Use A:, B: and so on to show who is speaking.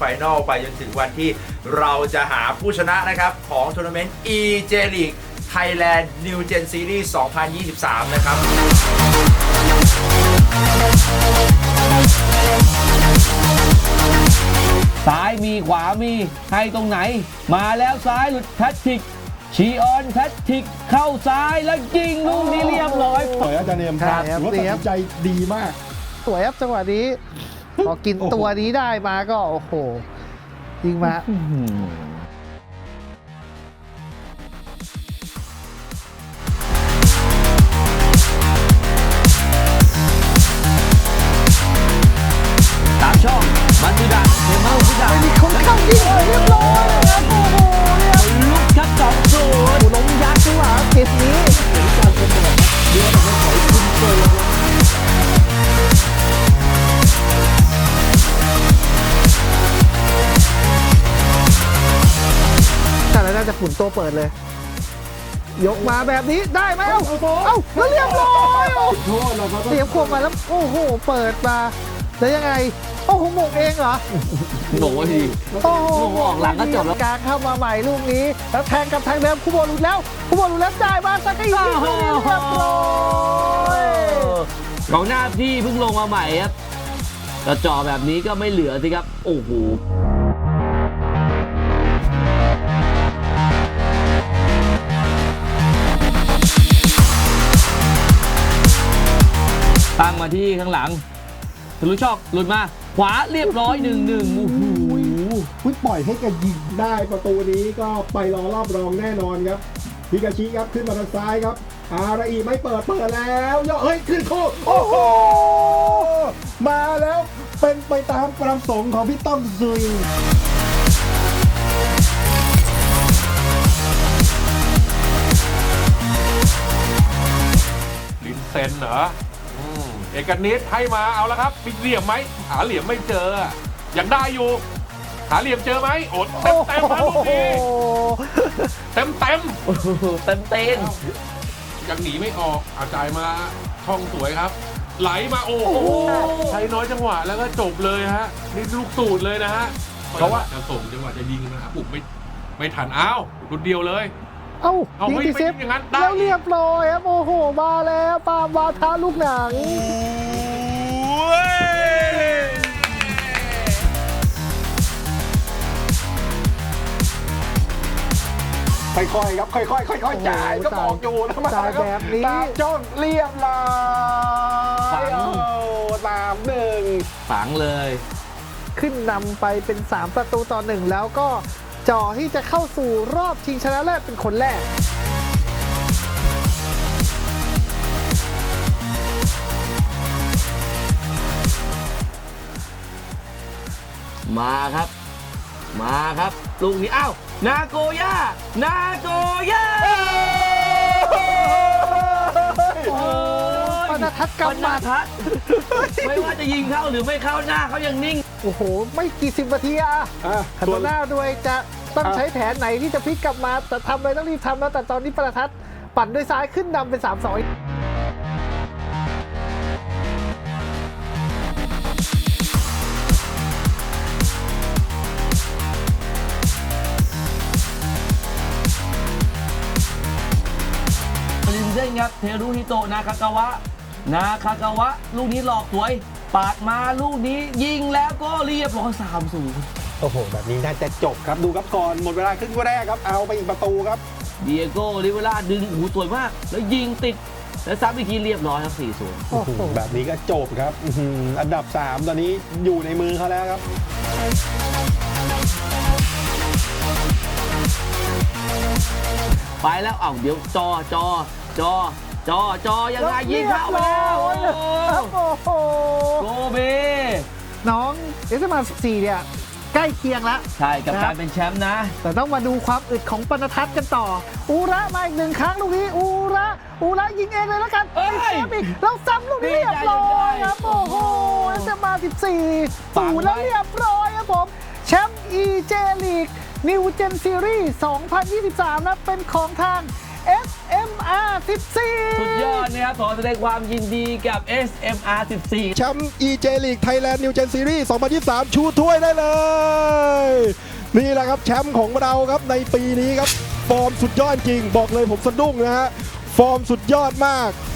A: ไฟนอลไปจนถึงวันที่เราจะหาผู้ชนะนะครับของทัวร์นาเมนต์ EJ League Thailand New Gen Series 2023 นะครับ
B: ซ้ายมีขวามีให้ตรงไหนมาแล้วซ้ายหลุดแพทริกชีออนแพทริกเข้าซ้ายแล้วยิงลูกนี้เรียบร้อย
C: สวยอาจารย์เนมครับถือว่าตัดสินใจดีมาก
D: สวยครับจังหวะนี้พอกินตัวนี้ได้มาก็โอ้โหยิงมา
B: ตามช่องมันตุดะเทมเมอร์ตุดะ
D: มีคนเข้ายิงเรียบร้อยครับโอ้โหเนี่ย
B: ลุกครับ2-0
D: ล้มยักษ์จังหวะเกมนี้แต่แล้วน่าจะฝุ่นตัวเปิดเลย ยกมาแบบนี้ได้ไหมเอ้าแล้วเรียบร้อยเสียบขวบมาแล้วโอ้โหเปิดมาแล้วยังไงโอ้โหหมกเองเหรอ
B: หนูที
D: โอ้โห
B: หนูออกหลังก็จบแล้ว
D: กลางเข้ามาใหม่ลูกนี้แล้วแทงกับทางเดิมคูโบหลุดแล้วได้มาสักก็ยิงลูกนี้เรียบร้อย
B: กองหน้าที่เพิ่งลงมาใหม่ครับแต่จ่อแบบนี้ก็ไม่เหลือสิครับโอ้โหตั้งมาที่ข้างหลังทะลุช่องหลุดมาขวาเรียบร้อย 1-1 โอ้โห
C: ปล่อยให้แกยิงได้ประตูนี้ก็ไปรอรอบรองแน่นอนครับฮิกาชิครับขึ้นมาทางซ้ายครับอาราอีไม่เปิดแล้วย่อเฮ้ยขึ้นโค้งโอ้โหมาแล้วเป็นไปตามประสงค์ของพี่ต้อมซุย
E: ลินเซนเหรอเอกนิตให้มาเอาแล้วครับมีเหลี่ยมไหมหาเหลี่ยมไม่เจอยังได้อยู่หาเหลี่ยมเจอไหมโอดเต็มเต็มลูกนี้เต็มเต็ม
B: เต็ม
E: ยังหนีไม่ออกอาจ่ายมาช่องสวยครับ ไหลมาโอ้โหใช้น้อยจังหวะแล้วก็จบเลยฮะนี่ลูกสูตรเลยนะฮะเพราะว่าจะส่งจังหวะจะยิงนะปุกไม่ทันอ้าวรุ่นเดียวเลย
D: เอ้า
E: เอา
D: ยิง
E: ไม่
D: ติดเซฟ
E: ไม่อย่างนั้นได้
D: แล้วเรียบร้อยครับโอ้โหมาแล้วปาล์มวาทาลูกหนัง
C: ค่อยๆครับค่อยๆจ่ายก็บอกอยู่แล้วมา
D: จ่ายแบบนี้
C: ตามจ้องเรียบร้อยตามหนึ่ง
B: ฝังเลย
D: ขึ้นนำไปเป็น3-1แล้วก็จ่อที่จะเข้าสู่รอบชิงชนะเลิศเป็นคนแรก
B: มาครับลูกนี้อ้าวนาโกย่า
D: ปนทัศน์กำมัด
B: ไม่ว่าจะยิงเข้าหรือไม่เข้าหน้าเขายังนิ่ง
D: โอ้โหไม่กี่10 นาทีขันหน้าด้วยจะต้องใช้แผนไหนที่จะพลิกกลับมาแต่ทำเลยต้องรีบทำแล้วแต่ตอนนี้ปนทัศน์ปั่นด้วยซ้ายขึ้นนำเป็น3-2
B: ลินเซนครับเทรุฮิโตะนาคากาวะลูกนี้หลอกสวยปาดมาลูกนี้ยิงแล้วก็เรียบร้อย3-0
C: โอ้โหแบบนี้น่าจะจบครับดูครับก่อนหมดเวลาครึ่งแรกครับเอาไปอีกประตูครับ
B: เดียโก้ลิเวล่าดึงหูสวยมากแล้วยิงติดแล้วซ้ำอีกทีเรียบร้อยครับ 4-0
D: โอ้โห
C: แบบนี้ก็จบครับอันดับ3ตอนนี้อยู่ในมือเขาแล้วครับ
B: ไปแล้วเดี๋ยวจอยังไงยิงเข้าไปแล้ว
D: โอ้โห
B: โกเบ
D: น้อง14เนี่ยใกล้เคียงแล้ว
B: ใช่กับการเป็นแชมป์นะ
D: แต่ต้องมาดูความอึดของปนทัศน์กันต่อ อูระมาอีก1 ครั้งลูกนี้อูระยิงเองเลยแล้วกัน
B: เอ้ย
D: แชมป์อีกแล้วซ้ำลูกนี้เรียบร้อยครับโอ้โหจะมา14
B: ฝังไว้
D: แล้วเรียบร้อยครับผมแชมป์ EJ League New Gen Series 2023นะเป็นของทาง SMI SMR 14
B: สุดยอดนะครับขอแสดงความยินดีกับ SMR 14
C: แชมป์ EJ League Thailand New Gen Series 2023 ชูถ้วยได้เลย นี่แหละครับแชมป์ของเราครับในปีนี้ครับ ฟอร์มสุดยอดจริง บอกเลยผมสะดุ้งนะฮะ ฟอร์มสุดยอดมาก